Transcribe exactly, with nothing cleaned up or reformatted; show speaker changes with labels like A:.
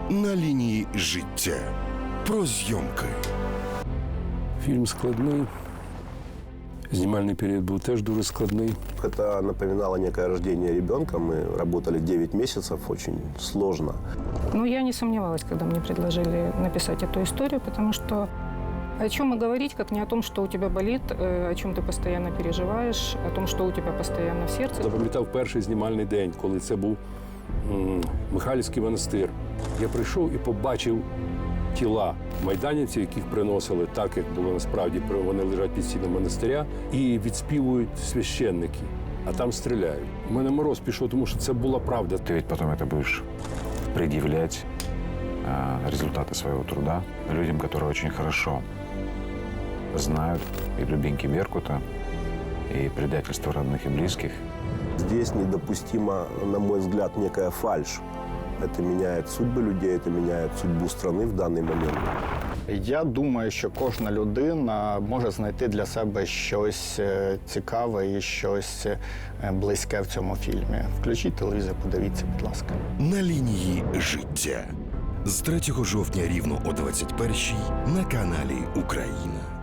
A: На лінії життя. Про зйомки.
B: Фільм складний. Знімальний період був теж дуже складний.
C: Это напоминало некое рождение ребенка. Мы работали девять месяцев, очень сложно.
D: Но я не сомневалась, когда мне предложили написать эту историю, потому что о чем и говорить, как не о том, что у тебя болит, о чем ты постоянно переживаешь, о том, что у тебя постоянно в сердце.
B: Запам'ятав перший знімальний день, коли це був м, Михайлівський монастир. Я прийшов і побачив тіла майданівців, яких приносили так, як було насправді. Вони лежать під стінами монастиря і відспівують священники, а там стріляють. У мене мороз пішов, тому що це була правда.
E: Ты ведь потом это будешь предъявлять э, результаты своего труда людям, которые очень хорошо знают и глубинки Беркута, и предательство родных и близких.
C: Здесь недопустима, на мой взгляд, некая фальшь. Это меняет судьбы людей, это меняет судьбу страны в данный момент.
F: Я думаю, що кожна людина може знайти для себе щось е, цікаве і щось е, близьке в цьому фільмі. Включіть телевізор, подивіться, будь ласка.
A: На лінії життя. З третього жовтня рівно о двадцять першій на каналі Україна.